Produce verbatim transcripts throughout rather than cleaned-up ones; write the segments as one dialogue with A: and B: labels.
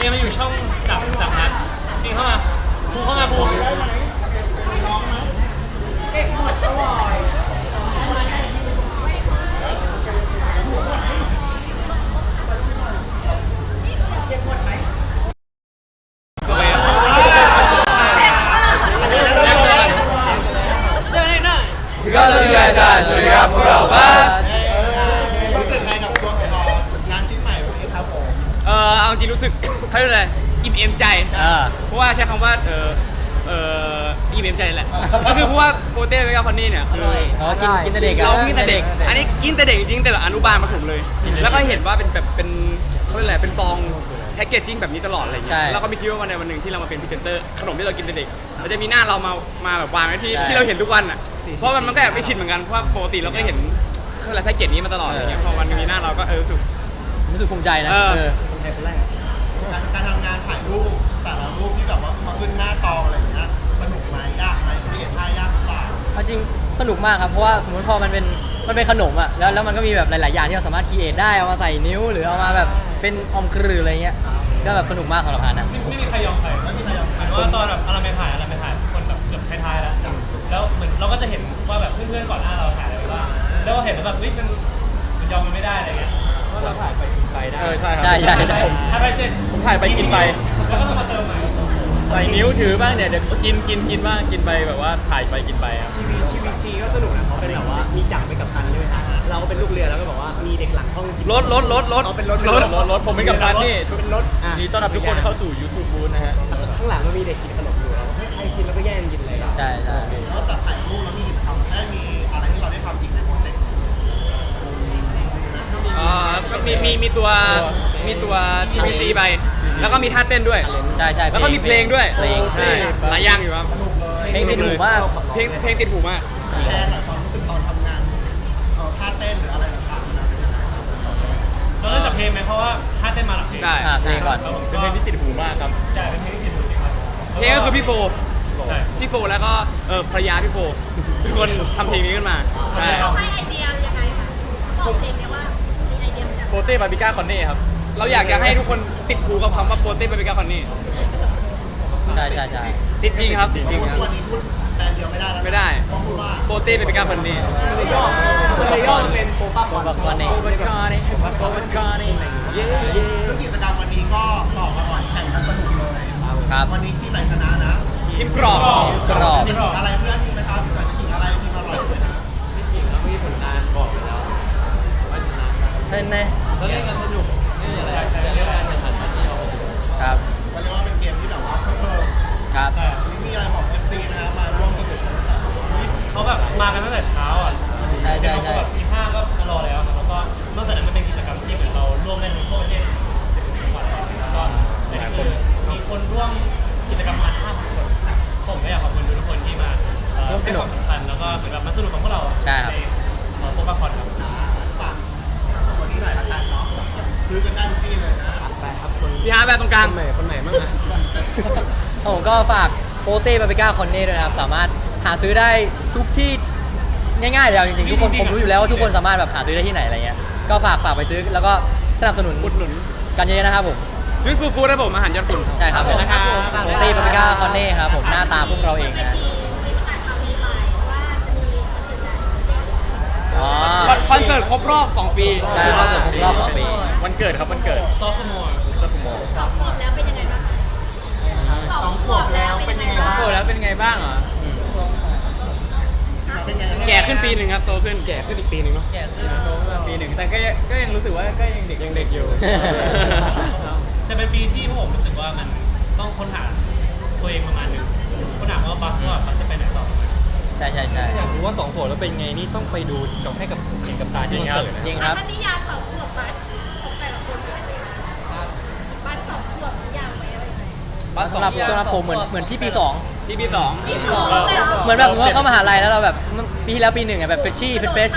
A: เอ็มมาอยู่ช่องจับจับนัดจริงเข้ามาภูเข้ามาภูเก็บหมดอร่อยเก็บหมดไหม
B: ก็ต้องมีอาจารย์สวัสดีครับพวกเราบัส
C: รู้สึกไงกับตัวงานชิ้นใหม่วันนี้ครับผม
D: เออเอาจริงรู้สึกเขาเรียกอะไรอิ่มเอมใจเพราะว่าใช้คำว่าเออเอออิ่มเอมใจแหละก็คือเพราะว่าโปเต้เมกาคอนนี่เนี่ยคือ
B: กินกินแต่เด็ก
D: เรากินแต่เด็กอันนี้กินแต่เด็กจริงๆแต่แบบอนุบาลมาถึงเลยแล้วก็เห็นว่าเป็นแบบเป็นเขาเรียกอะไรเป็นฟองแพ็กเกจจิ้งแบบนี้ตลอดอะไรอย่างเงี้ยแล้วก็ไม่คิดว่าวันใดวันหนึ่งที่เรามาเป็นพรีเซนเตอร์ขนมที่เรากินแต่เด็กเราจะมีหน้าเรามามาแบบวางไว้ที่ที่เราเห็นทุกวันอ่ะเพราะมันมันก็แอบไม่ชินเหมือนกันเพราะว่าปกติเราก็เห็นอะไรแพ็กเกจนี้มาตลอดอะไรเงี้ยพอวันมีหน้าเราก็เออรู้สึก
B: รู้สึกภูมิใจนะเออ
C: คนไทยคนแรกการการทำงานถ่ายรูปแต่ละรูปที่แบบว่ามาขึ้นหน้าซองอะไรอย่างเงี้ยสนุกไหมยากไหมที่เห็นท่ายากหรือเปล่า
B: จริงสนุกมากครับเพราะว่าสมมติพอมันเป็นมันเป็นขนมอ่ะแล้วแล้วมันก็มีแบบหลายๆอย่างที่เราสามารถคีเอทได้เอามาใส่นิ้วหรือเอามาแบบเป็นอมกรืออะไรเงี้ยก็แบบสนุกมากสำหรับพานนะ
A: ไม่ไม่มีใครยอมใครไม่มีใครยอมใครว่าตอนแบบเราไปถ่ายเราไปถ่ายคนแบบเกือบท้ายๆแล้วแล้วเหมือนเราก็จะเห็นว่าแบบเพื่อนๆก่อนหน้าเราถ่ายอะไรบ้างแล้วก็เห็นว่าแบบเฮ้ยมันมันยอมมันไม่ได้อะไรเงี้ยเพราะเราถ่ายไปกินไปได้
B: เออใช่ครับใช่ใช่ใช่
A: ถ่ายไปเสร็จ
B: ผมถ่ายไปกินไป
A: แล้วก็ต้องมาเติมใหม่
B: ใส่นิ้วถือบ้างเนี่ยเดี๋ยวกินกินกินบ้างกินไปแบบว่าถ่ายไปกินไปครับ
E: ทีวีทีวีซีก็สนุกนะเขาเป็นแบบว่ามีจักรไปกับตันใช่ไหมฮะเราก็เป็นลูกเรือแล้วก็แบบว่ามีเด็กหลังห้อง
D: รถรถรถรถ
E: เอาเป็นรถ
B: รถรถรถผมเป็นกัปตันนี่
E: เป็นรถ
B: ดีต้อนรับทุกคนเข้าสู่ยูทูบฟู้ดนะฮะ
E: ข้างหลังก็มีเด็กกินขนมอยู่เราให้ใครกินแล้วก็แย่งกินเลย
B: ใช่ใช่
C: นอกจากถ่ายรูปแล้วมีกิจกรรมได้มีอะไรที่เราได้ทำอีกในโปรเจกต์
D: อ่าก็มีมีมีตัวมีตัว ที วี ซี ไปแล้วก็มีท่าเต้นด้วย
B: ใช่ใช่
D: แล้วก็มีเพลงด้วย
B: เพลง
D: ใช่หลายอย่างอยู่ครับ
B: เพลงติดหูมาก
D: เพลงเพลงติดหูมาก
C: แชร์หน่อยความรู้สึกตอนทำงานท่าเต้นหรืออะไรต่างๆนะ
A: เราเริ่มจากเพลงไหมเพราะว่าท่าเต้นมาหลังเพลง
D: ได้
B: เพลงก่อน
A: เป็นเพลงที่ติดหูมากครับใช่เป็นเพลงที่ติดหูจริงครับ
D: เพลงก็คือพี่โฟพี่โฟแล้วก็เออภรรยาพี่โฟเป็นคนทำเพลงนี้ขึ้นมาใช่
F: เขาให้ไอเดียยังไงคะบอกเพลงนี้ว่ามีไอเดียมาจาก
B: โปเต้บาร์บิก้าคอนเน่ครับ
D: เราอยากจะให้ทุกคนติดหูกับคำว่าโปเต้บาร์บิก้าคอนเน่
B: ใช่ใช่ใช่
D: ติดจริงครับจริง
C: ครับวันนี้พูดแบรนด์เดียวไม่ได้แล้ว
D: ไม่ได้
C: ต้องพูดว่า
D: โปเต้บาร์บิก้าคอนเน่
E: เลยย่อเลยย่อเป็นโปป้าคอน
B: คอนเน่โปป้าคอนเน่โปป้าคอนเน่เย้เย้
C: กิจกรรมวันนี้ก็ต่อกันหน่อยแข่งกันสนุกเลย
B: ครับ
C: วันนี้ทีมไหนชนะนะ
D: ทีมกรอบ
B: กรอบ
C: ทีมอะไรเพื่อนไหมครับจะกินอะไรทีมอร่อยไหมครับ
E: พี่หญิงแล้วมีผลงานบอกไปแล้วว่าชนะ
B: เล่นไหม
E: แล้วเล่นกันสนุกนี่อะไรใช้เรื่องการแข่งขันมาที่เรา
B: ครับ
C: ก็เรียกว่าเป็นเกมที่แบบว่าเพิ่ม
B: ครับ
C: มีอะไรบอก เอฟ ซี นะครับมาร่วมสนุกกัน
A: เขาแบบมากันตั้งแต่เช้าอ่ะ
B: ใช่ใช่
A: ใช่แบบตีห้าก็มารอแล้วครับแล้วก็นอกจากนั้นมันเป็นกิจกรรมที่เหมือนเราร่วมเล่นทั่วประเทศจังหวัดแล้วก็ในนี้คือมีคนร่วมกิจกรรมมาห้าพันคนผมก็อยากขอบคุณทุกคนที่มาให้ความสำคัญแล้วก็เหมือนแบบมาสนุกกับพวกเรา
B: ใช่ครับ
A: ในโปรแกรมคอนครับ
C: ฝากวันนี้หน่อยละกันเนาะซื้อกันได้ทุกที่เลยนะ
E: ไปครับคน
D: พี่ฮาร์แบบตรงกลาง
E: คนไหนคนไหนบ้างฮะ
B: ผมก็ฝากโปเต้บาร์บิก้าคอนเน่ด้วยนะครับสามารถหาซื้อได้ทุกที่ง่ายๆแล้วจริงๆทุกคนผมรู้อยู่แล้วว่าทุกคนสามารถแบบหาซื้อได้ที่ไหนอะไรเงี้ยก็ฝากฝากไปซื้อแล้วก็สนับสนุน
D: อุดหนุน
B: กันเยอะๆนะครับผม
D: ฟู้ดฟู้ดฟู้ดนะผมอาหารยอดคุณ
B: ใช่ครับผม
D: นะครับ
B: โปเต้บาร์บิก้าคอนเน่ครับผมหน้าตาพวกเราเองนะ
D: คอนเสิร์ตครบรอบสองปี
B: ใช่คอนเสิร์ตครบรอบสองปี
D: วันเกิดครับวันเกิด
A: ซอฟต์มอร์
D: ซอฟต์มอร์
F: สองขวบแล้วเป็นยังไงบ้างสองขวบแล้วเป็นยังไงบ้าง
D: โตแล้วเป็นไงบ้างเหรอแก่ขึ้นปีหนึ่งครับโตขึ้น
E: แก่ขึ้นอีกปีหนึ่งเนาะ
B: แก่ขึ้น
D: โตขึ้นปีหนึ่งแต่ก็ก็ยังรู้สึกว่าก็ยังเด็ก
E: ยังเด็กอยู่
A: แต่เป็นปีที่ผมรู้สึกว่ามันต้องค้นหาตัวเองประมาณนึงค้นหาว่าบัสว่าบัสจะไปไหนต่อ
B: ใช่ใช่ใช่
E: อยากรู้ว่าสองขวบแล้วเป็นไงนี่ต้องไปดูกับให้กับเห็นกับตา
B: จริงครับจริงครับ
F: ท่านนิยามสองขวบบัสของแต่ละคนบัสสองขวบนิยามไหมอะไร
B: บัสสำหรับสำหรับผมเหมือนเหมือนพี่ปีสอง
D: พี่ปีสอง
F: ปีสองเลยเหรอ
B: เหมือนแบบสมมติว่าเข้ามหาลัยแล้วเราแบบปีที่แล้วปีหนึ่งอะแบบเฟรชชี่เฟรชเฟรช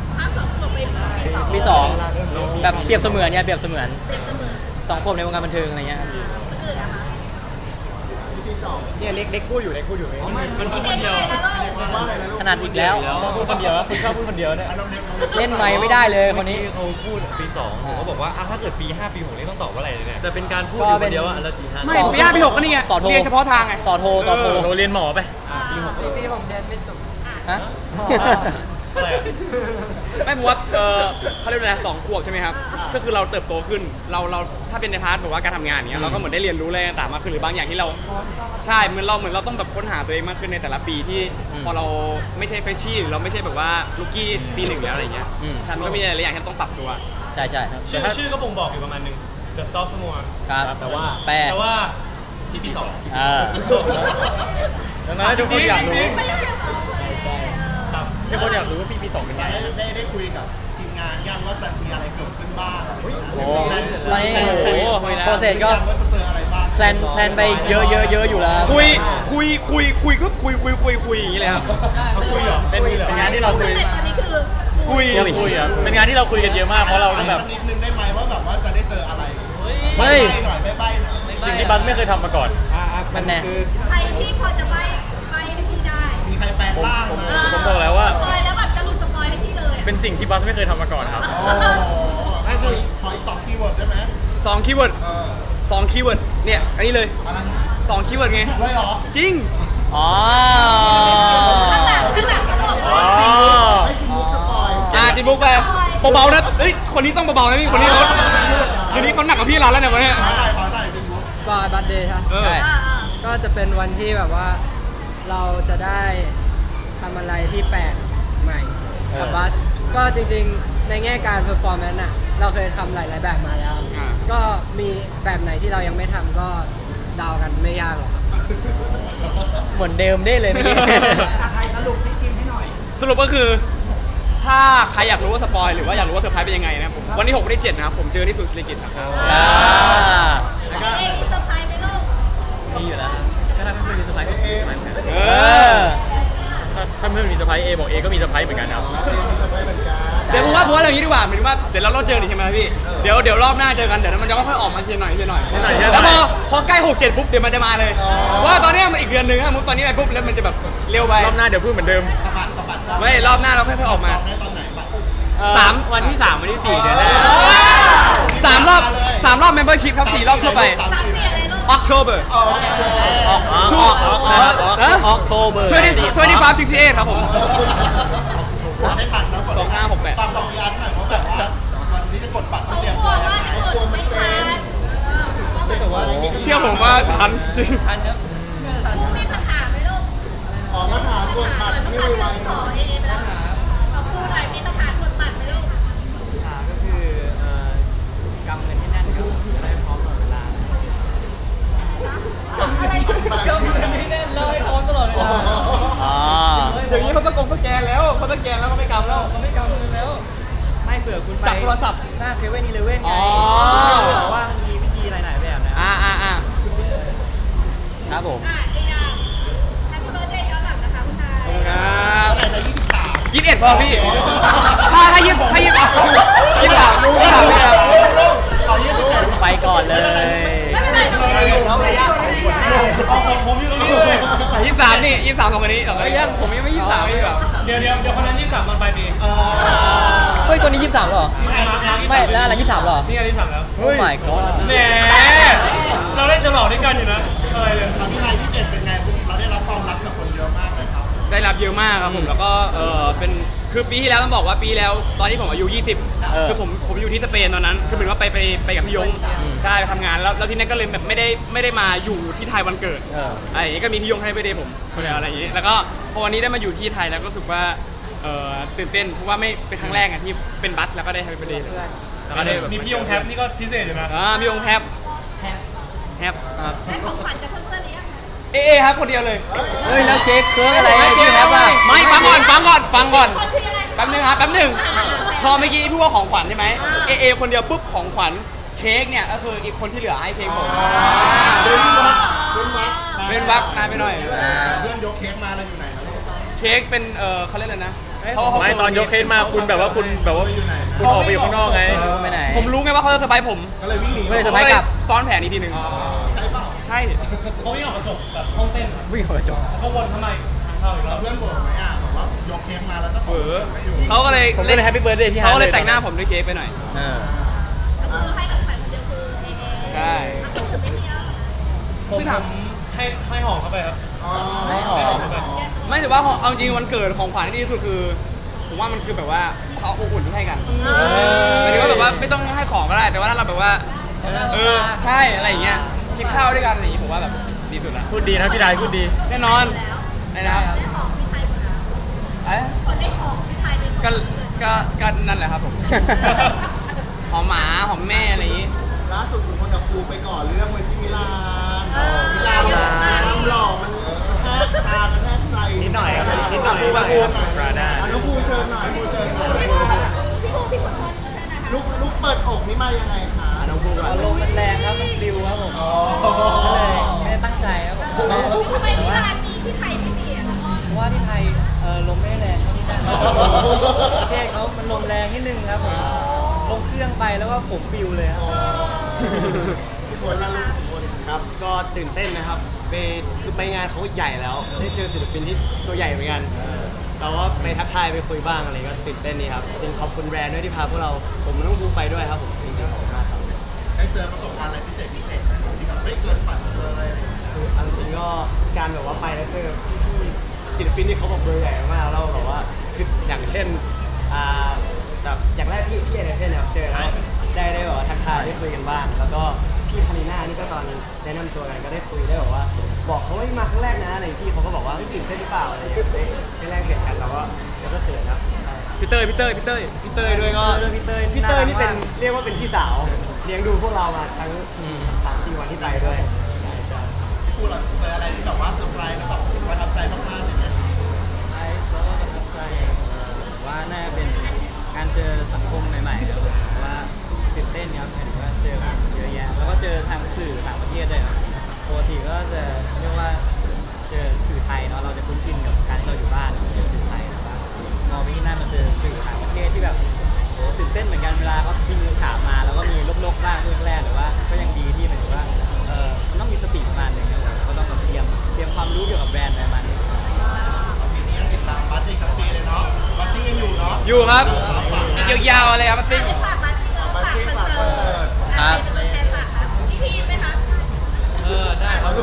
B: ปีสองแบบเปรียบเสมือนเนี่ยเปรียบเสมือนสองขวบในวงการบันเทิงอะไรเงี้ย
E: เนี่ยเล็กเล็กพูดอยู่เล็กพูดอยู่
A: มันพูดคนเดียว
C: ว่าอะไรนะลูก
B: ถนัดอีกแล้ว
A: ชอบพูดคนเดียวคุณชอบพูดคนเดียวเนี่ย
C: อ่ะน้องเน็ตน้องเน็ต
B: เล่นไม้ไม่ได้เลยคนนี้
G: เขาพูดปีสองผมก็บอกว่าอ่ะถ้าเกิดปีห้าปีหกนี่ต้องตอบว่าอะไรเนี่ย
A: แต่เป็นการพูด
B: ก็
A: อยู่
B: เป็
A: คน นเดียวอะแล้วกี่ท่าน
D: ไม่ปีห้าปีหกก็นี่ไง
B: ต่อโทร
D: เรียนเฉพาะทางไง
B: ต่อโทรต่อโทร
A: โรเรียนหมอไป
F: สี่ปี
B: ฮะ
A: อะไรอะ
D: ไม่ผมว่าเออเขาเรียกว่าอะไรสองขวบใช่ไหมครับก็คือเราเติบโตขึ้นเราเราถ้าเป็นในพาร์ทแบบว่าการทำงานเนี้ยเราก็เหมือนได้เรียนรู้อะไรต่างๆมากขึ้นหรือบางอย่างที่เราใช่เหมือนเราเหมือนเราต้องแบบค้นหาตัวเองมากขึ้นในแต่ละปีที่พอเราไม่ใช่เฟรชชี่หรือเราไม่ใช่แบบว่าลูกี้ปีหนึ่งแล้วอะไรเงี้ย
B: อืม
D: ใช่มันก็มีหลายๆอย่างที่ต้องปรับตัว
B: ใช่ใช่
A: ชื่อชื่อก็บ่งบอกอยู่ประมาณหนึง The Sophomore
B: ครับ
A: แต่ว่า
B: แปล
A: แต่ว่าปีปีสอง
B: เออ
A: ดังนั้นทุกคนอยากรู้
F: ไม่ใช่เหรอ
A: ครับ
G: ทุกคนอยากรู้ว่าปีปีสองเป็นไง
C: ได้ได้ได้คุยกับทีมงานยังว่าจะมีอะไรเกิดขึ้นบ้าง
B: โอ้ตอนนี้โอ้โหโปรเซสก็
C: ว่าจะเจออะไรบ้าง
B: แพลนแพลนไปเยอะเยอะเยอะอยู่แล้วครับ
D: คุยคุยคุยคุยก็คุยคุยคุยคุยอย่างนี้เลยครับ
A: เขาคุยเหรอเป็นเป็นงานที่เราคุย
F: ตอนนี้คือ
D: คุย
A: คุยอ่ะเป็นงานที่เราคุยกันเยอะมากเพราะเรา
C: ถาม
A: แบบ
C: สักนิดนึงได้ไหมว่าแบบว่าจะได้เจออะไร
B: เฮ้ย
C: ใบ้หน่อยใบ้ๆหน่อย
A: สิ่งที่บัสไม่เคยทำมาก่อน
B: มันแน่
E: คือ
F: ใครที่พอจะใบใบให้พี่ได้
C: มีใครแปลงร่างมา
A: ผมบอกแล้วว่า
F: สปอยแล้วแบบจะหลุดสปอยให้พี่เลยอะ
A: เป็นสิ่งที่บัสไม่เคยทำมาก่อนครับ
C: โอ้ไม่คือขออีกสองคีย์เวิร์ดได้ไหม
D: สองคีย์เวิร์ด
C: เออ
D: สองคีย์เวิร์ดเนี่ยอันนี้เลย
C: อะไรนะ
D: สองคีย์เวิร์ดไง
C: เลยเหรอ
D: จริง
B: อ๋อ
F: ข้างหลังข้างหลังเขาบอกว่า
A: อ๋อ
C: ไอ้จริงมุกสปอย
D: อ่าจินบุ๊กไปเบาๆนะเอ้ยคนนี้ต้องเบาๆนะพี่คนนี้เขาเดี๋ยวนี้เขาหนักกว่าพี่เราแล้วเนี่ยวันเนี้ย
C: ขอหน่อยขอหน่อยจริงมุก
H: สปอยบัตเดย์ครับ
D: เออ
B: ใช่
F: อ่าอ่า
H: ก็จะเป็นวันที่แบบว่าเราจะได้ทำอะไรที่แปลกใหม่กับบัส ก็จริงๆในแง่การเพอร์ฟอร์แมนซ์อะเราเคยทำหลายๆแบบมาแล้ว
D: อ่า
H: ก็มีแบบไหนที่เรายังไม่ทำก็เดากันไม่ยากหรอกครับ
B: เหมือนเดิมได้เลยเมื่อกี้
D: สรุปก็คือ ถ้าใครอยากรู้ว่าสปอยหรือว่าอยากรู้ว่าเซอร์ไพรส์เป็นยังไงนะครับผมวันที่หกวันที่เจ็ดนะครับผมเจอที่ศูนย์ศิริกิติ์ครับ
B: อ่า
F: แล้วก็เอ็มมีเซอร์ไพรส์ไหมลูก
G: มีอยู่แล้วก็ถ้าเพื่อนๆมีเซอร์ไพรส์ก็มีเซอร์ไพรส์เหมือนกัน
D: เอ
B: เอ
D: อ
B: อ
G: ถ้าถ้าเพื่อนมีเซอร์ไพรส์เอบอกเอก็มีเซอร์ไพรส์เหมือนกันครับ
C: มีสปอยเหมือนกัน
D: เดี๋ยวผมว่าผมว่าอย่างนี้ดีกว่าหมายถึงว่าเดี๋ยวเราเราเจอหนิใช่ไหมพี่เดี๋ยวเดี๋ยวรอบหน้าเจอกันเดี๋ยวมันจะค่อยๆออกมาทีละหน่อยทีละหน่อย
G: ทีละหน่อยทีละหน่
D: แล้
G: อ
D: วย พอพอใกล้หกเจ็ดปุ๊บเดี๋ยวมันจะมาเลยว่าตอนเนี้ยมันอีกเดือนหนึงถ้ามุกตอนนี้ไปปุ๊บแล้วมันจะแบบเร็วไป
G: รอบหน้าเดี๋ยวพูดเหมือนเดิม
C: ตะบัดตะบัดจอง
D: ไม่รอบหน้าเราค่อยๆออกมา
C: จองได้ตอนไหนบัตร
D: สาม
G: วันที่สามวันที่สี่เดือนแรก
D: สามรอบสามรอบ membership ครับสี่รอบทั่วไป
F: สามสี่อะไรลูก
D: October
C: โอเค
B: ออกออกออกออกออกโทเบอร์
D: twenty twenty-five sixty-eight ครับผม
C: กดได้ทันนะกด
D: สองห้าหกแปด
C: ตามบอกพี่อาร์ตหน่อยว่าแบบว่าวันนี้จะกดบัตรต้องเตรียม
F: กลั
C: ตัว ว
F: ว่า
C: ยังไง
F: จะกดไม่ทันเออว่ามัน
C: แต่ว่านี่ก็
D: เชื่อผมว่าทันจริง
F: มีคาถาไหมลูก
C: ขอมาถามกดบัตร
F: ไม่
C: ไม่
F: ไว
C: ไว
F: ขอเอเอไปแล้วขอพูดหน่อยมีคาถากดบัตรไหมลูก
E: อ่าก็คือเอ่อกำเงินให้แน่นครับจะได้พร้อมตลอดเวลา
F: อะไร
E: กำเงินให้แน่นแล้วให้พร้อมตลอดเวลา
B: อ๋อ
D: เดี๋ยวนี้เขาสกงสแกนแล้วเขาสแกนแล้วก็ไม่กำแล้ว
E: เขาไม่กำเงินแล้ว ไม่เผื่อคุณไป
D: จับโทรศัพท์
E: หน้าเซเว่นอีเลเว่นไง
D: อ๋อ
E: บอกว่ามันมีวิธีหลายๆแบบนะ
D: อ่าอ่าอ่า
B: ครับผม
F: อ่ะอีกอย่างแฮปปี้เบิร์ดเดย์ย้อนหลังนะคะคุณชาย
D: ครับ
C: เท่าไหร่นะยี่สิบสาม
D: ยี่สิบเอ็ดพอพี่ ถ้าถ้ายี่ถ้ายี่ยี่สิบสามยี่สิบสามพี่ครับ
C: เอายี่สิบเอ็ด
B: ไปก่อนเลย
F: ไม่เป็นไรเราไม่ได้อยู่เราไม่ได้อยู่เราไม่ได้อยู่
A: ผมอยู่ตรงนี้เลย
D: ยี่สิบสามนี่ยี่สิบสามของวันนี้เหรอยังผมยังไม่ยี่สิบสามพี่แบบ
A: เดี๋ยวเดี๋ยวเดี๋ยวคนนั้นยี่สิบสามตอนปลายปี
C: เออ
B: เฮ้ยตัวนี้ยี่สิบสามเหรอ ไม่แล้วอะไรยี่สิบสามเหรอ
A: นี่ไงยี่สิบสามแล้ว
B: โอ้ my god
A: แหมเราได้ฉลองด้วยกันอยู่นะอะไรเลย
C: ทำพี่นายยี่สิบเอ็ดเป็นไงเราได้รับความรักจากคนเยอะมากเลยครับ
D: ได้รับเยอะมากครับผมแล้วก็เออเป็นคือปีที่แล้วต้องบอกว่าปีแล้วตอนที่ผมอายุยี่สิบ
B: เออ
D: คือผมผมอยู่ที่สเปนตอนนั้นคือเหมือนว่าไปไปไปกับพี่ยงใช่ไปทำงานแล้วแล้วที่นั่นก็เลยแบบไม่ได้ไม่ได้มาอยู่ที่ไทยวันเกิด
B: เออ
D: อะไรอย่างงี้ก็มีพี่ยงให้ไปเดย์ผมอะไรอย่างงี้แล้วก็พอวันนี้ได้มาอยู่ที่ไทยแล้วก็รู้สึกว่าเออตื่นเต้นเพราะว่าไม่เป็นครั้งแรกอะที่เป็นบัสแล้วก็ได้ให้ไปเดย์แล้วก็ได้แบบ
A: มีพี่ยงแท็บนี่ก็พิเศษอยู่นะ
D: อ่าพี่ยงแฮปแฮปครับ
F: ได้ของขวัญจากเพื่อนๆหรือยัง
D: เอเอครับคนเดียวเลย
B: เฮ้ยแล้วเค้กเคิร์กอะไร
D: ไม่
B: ที่แฮปอ่ะ
D: ไม่ฟังก่อนฟังก่อนฟังก่อน
F: คนคือยังไง
D: แป๊บนึงครับแป๊บนึงพอเมื่อกี้พูดว่าของขวัญใช่ไหมเอเอคนเดียวปุ๊บของขวัญเค้กเนี่ยก็คืออีกคนที่เหลือให้เค้กผม
C: เดินวัดเดินวัด
D: เป็นวักนานไปหน่อย
C: เพื่อนยกเค้กมาเราอยู่ไหนนะลูก
D: เค้กเป็นเออเขาเรียกอะไรนะ
G: ไม่ตอนยกเคสมาคุณแบบว่าคุณแบบว่า
C: อยู่ไหนนะ
G: คุณออกไปอยู่ข้างนอกไง
B: ไปไหน
D: ผมรู้ไงว่าเขาจะเซอร์ไพรส์ผม
C: ก็เลยวิ่งหนี
B: ไม่ได้เซอร์
D: ผม
B: ไพรส์
D: ก็เลย
B: กลับ
D: ซ้อนแผนอีกทีหนึ่ง
C: อ๋อใช่เปล่า
D: ใช่
A: เขาวิ่งออกกระจกแบบห้องเต้นครับ
B: วิ่งออกกระจก
A: แล้วก็วนเข้ามาอีกทางเข้าอีกร
C: แล้
A: อ
C: ว
A: บ
C: เพื่อนบอกไหมอ่ะบอกว่ายกเค้กมาแล้วเจ้าของ
D: เออ
C: ไม่อยู่
D: เขาก็เลย
B: ผมก็เลยแฮปปี้เบิร์ดเดย์พี่ฮา
D: เขา
B: ร์
D: ก็
B: ด
D: เลยแต่งหน้าผมด้วยเค้กไปหน่อย
B: เออ
F: ก็คือให้ของขวัญคนเดียวคือเอเอ
D: ใช่
F: อ่ะคือไม่มีแล้ว
A: ผม
D: ซึ่งถาม
A: ให้ให้หอมเข้าไปครับ
C: อ๋อ
B: ไม่หอม
A: เข้าไป
D: ไม่แต่ว่าของเอาจริงวันเกิดของขวัญที่ดีที่สุดคือ ผมว่ามันคือแบบว่าเขาอบอุ่นที่ให้กันหมายถึงว่าแบบว่าไม่ต้องให้ของก็ได้ แต่ว่าถ้าเราแบบว่า เออใช่อะไรอย่างเงี้ยกินข้าวด้วยกันอะไรอย่างงี้ผมว่าแบบดีสุดละ
A: พูดดีนะพี่ดายพูดดี
D: แน่นอน
F: แล้ว
D: นะครับ
F: ได้ของพี่ไทยหมดแล้ว
D: เอ๊ะ
F: คนได้ของพี่ไทยเป็นคน
D: ก็
F: เกิด
D: ก็ก็นั่นแหละครับผม หอมหมาหอมแม่อะไรอย่างงี้
C: ล่าสุดคุณคนกับครูไปก่อนเรื่องไว้ที่มิลาน
F: เออ
C: มิลานหล่อความหล่อมันกระแทกตากระแทกใจ
E: นิดหน่อยครับนิดหน่อย
C: ครูบางครู
A: ปราดา
C: อ่ะน้องครูเชิญหน่อยครูเชิญหน่อย
F: พี่ภูพี่ภูคนเชิญนะคะ
C: ลูกลูกเปิดอกนี่มายังไงคะ
E: น้องภูก่อน
H: ลมมันแรงครับมันฟิวครับผม
C: อ๋อ
H: ก็เลยไม่ได้ตั้งใจครับผม
F: ทำไมพี่ร้านนี้พี่ไทยไม่มีอ่ะ
H: เพราะว่าที่ไทยเออลมไม่ได้แรงเท่าที่นั่นประเทศเขามันลมแรงนิดนึงครับผมลงเครื่องไปแล้วก็ผมฟิวเลยครับ
C: พี่คนละลูกคน
E: ครับก็ตื่นเต้นนะครับไปคือไปงานเขาใหญ่แล้ว ได้เจอศิลปินที่ตัวใหญ่เหมือนกันเราก็ไปทักทายไปคุยบ้างอะไรก็ตื่นเต้นนี่ครับจริงขอบคุณแบรนด์ด้วยที่พาพวกเราผมและน้องภูไปด้วยครับผมจริงๆขอบคุณมากครับ
C: ได้เจอประสบการณ์อะไรพิเศษพิเศษไหมที่แบบไม่เกินฝันเลยอะไรอย่างเงี้ย
E: คือเอาจริงๆก็การแบบว่าไปแล้วเจอพี่ๆศิลปินที่เขาแบบเบอร์ใหญ่มากแล้วแบบว่าคืออย่างเช่นอ่าแบบอย่างแรกพี่พี่เอเดนเนี่ยเจอแล้วได้ได้แบบว่าทักทายได้คุยกันบ้าง แล้วก็พี่คาริน่านี่ก็ตอนแนะนำตัวกันก็ได้คุยได้แบบว่า บอกเขาว่ามาครั้งแรกนะอะไรพี่เขาก็บอกว่าเฮ้ยตื่นเต้นหรือเปล่าอะไรอย่างเงี้ยได้ได้แลกเปลี่ยนกันเราก็เราก็เขินครับใช่
D: พี่เต้ยพี่เต้ยพี่เต้ย
E: พี่เตยด้วยก็
H: เรื่องพี่เต้ย
E: พี่เตยนี่เป็น
H: น่ารักมาก
E: เรียกว่าเป็นพี่สาวเลี้ยงดูพวกเรามาทั้งสามสี่วันที่ไปด้วยใช่ใช่
C: พี่ครูเราเจออะไรที่แบบว่าเซอร์ไพรส์แล้วแบบประทับใจมากๆเลยไหม
H: ไอซ์แล้วก็ประทับใจเอ่อว่าน่าเป็นการเจอสังคมใหม่ๆครับผมเพราะว่าตื่นเต้นครับเห็นว่าเจอคนเยอะแยะแล้วก็เจอทางสื่อต่างประเทศด้วยครับปกติก็จะเรียกว่าเจอสื่อไทยเนาะเราจะคุ้นชินกับการที่เราอยู่บ้านเจอสื่อไทยแต่ว่าพอไปที่นั่นมาเจอสื่อต่างประเทศที่แบบโหตื่นเต้นเหมือนกันเวลาเขาพิมพ์คำถามมาแล้วก็มีลบๆบ้างช่วงแรกแต่ว่าก็ยังดีที่หมายถึงว่าเออมันต้องมีสติประมาณหนึงครับผมก็ต้องแบบเตรียมเตรียมความรู้เกี่ยวกับแบรนด์ประมาณนี้
C: ปีนี้ยังติดตามบัสอีกทั้งปีเลยเนาะบัสซี่ยังอยู่เนาะ
D: อยู่ครับ
C: ฝาก
D: อีกยาวๆอะไรครับซิ่ง
F: ฝากบัสซิ่งแล้ว
C: บัส
F: ฝาก
C: ซี่
F: ค
C: ฝา
F: อก น
C: คอน
F: เสิ
C: เสิ
F: ร์ต
C: ร์ต
B: ครับ
F: เป็นตัวแทนฝากครับพี่พีชไหมครับ
A: เออได้ครับ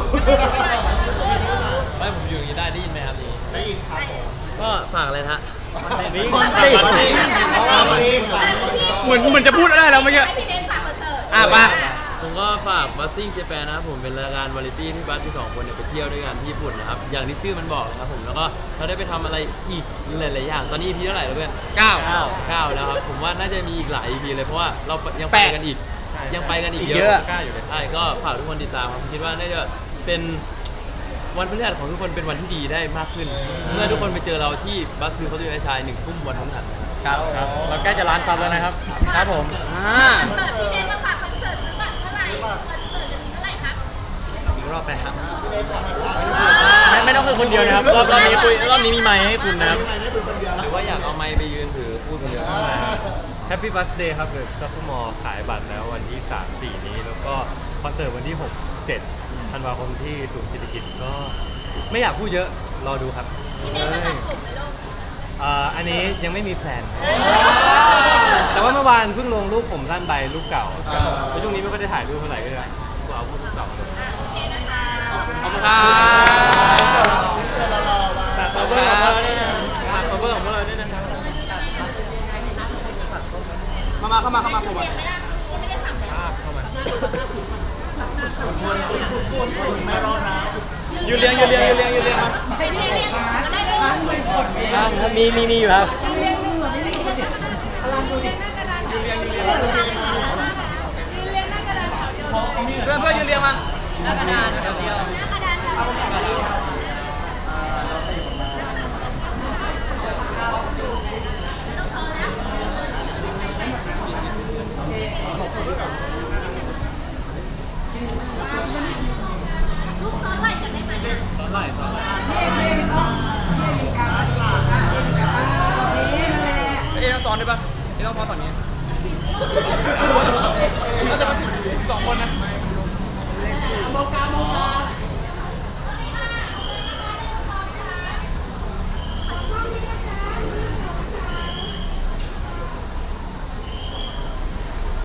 G: ไม่ผมอยู่อย่างนี้ได้ได้ยินไหมครับนี่
C: ได้ยินครับผม
G: ก็ฝากอะไรนะฮะ
C: บัสซี่
B: บัสซี่
C: บัสซี่บัสซี่ฝากคอนเสิร์ต
D: เหมือนเหมือนจะพูดได้แล้วเมื่อกี้
F: ให้พี่เดนฝากคอนเสิร์ต
D: อ่ะมา
G: ผมก็ฝากบัสซิ่งเจแปนนะครับผมเป็นรายการวาไรตี้ที่บัสที่สองคนเนี่ยไปเที่ยวด้วยกันที่ญี่ปุ่นนะครับอย่างที่ชื่อมันบอกนะครับผมแล้วก็เราได้ไปทำอะไรอีกหลายๆอย่างตอนนี้ อี พี เท่าไหร่แล้วเพื่อน
D: เก้า
G: เก้าแล้วครับผมว่าน่าจะมีอีกหลาย อี พี เลยเพราะว่าเรายังไป
D: แปด
G: กันอีก ยังไปกันอีก
B: อีก
G: เย
B: เย
G: อะ
B: อะ
G: กล้าอยู่เลยใช่ก็ฝากทุกคนติดตามครับผมคิดว่าน่าจะเป็นวันพฤหัสของทุกคนเป็นวันที่ดีได้มากขึ้น เมื่อทุกคนไปเจอเราที่บัสฟิลเขาดูในชายหนึ่งทุ่มวันพฤหัส
B: ครับ
A: ครับเราใกล้จะล้านซับแล้วนะครับ
B: ครับผม
D: อ่า
F: คอนเสิร์ตพี่เดนมาฝากคอนเสิร์ตซื้อบัตรเมื่อไหร่คอนเสิร์ตจะมีเมื่อไหร่ครับ
E: อีกรอบไปครับ
A: ไม่ไม่ต้องคือคนเดียวนะครับรอบรอบนี้คุยรอบนี้มีไมค์ให้คุณนะครับ
C: ไม่ได้เป็นคนเดียว
G: ห
C: แล้ว
G: รือว่าอยากเอาไมค์ไปยืนถือพูดคนเดียว
I: แฮปปี้บัสเดย์ครับเดอะซัฟเฟอร์มอลขายบัตรแล้ววันที่ สาม สี่ นี้ แล้วก็คอนเสิร์ตวันที่ หก เจ็ดธันวาคมที่ศูนย์เศรษฐกิจก็ไม่อยากพูดเยอะ รอดูครับ
F: พี่เดนจะตัดผมไหมลูก
I: อ่าอันนี้ยังไม่มีแพลน แต่ว่าเมื่อวานเพิ่งลงรูปผมสั้นใบรูปเก่าแล้วช่วงนี้ไม่ค่อยได้ถ่ายรูปเท่าไหร่ก็เลยก็เอารูปเก่ามาลง
F: อ่ะโอเคนะคะ
D: ขอบคุณครับ
I: ฝาก cover ของพวกเราด้วยนะฝาก cover ของพวกเราด้วยนะครับ
D: มามาเข้ามาเข้ามาผมมา
F: เรียงไหมล่ะยังไม่ได้สั่งเลย
I: ภาพเข้ามา
C: ไม่รอดนะ
D: ยืนเรียงยืนเรียงยืนเรียงยืนเรียงมา
F: ไม่ได้เรียงก็ได้เลย
B: ครับมีมีมีอยู่ครับ
D: เพื่อนเพื่อนยืนเรียงมา
B: หน้ากระดานเดียวเดียว
F: หน้ากระดานค่ะ ลูกซ้อนไหล่กันได้ไหมเนี่ย
D: เอ๊ะต้องซ้อนด้วยปะเอ๊ะต้องซ้อนฝั่งนี้น่าจะมาถึงสองคนนะ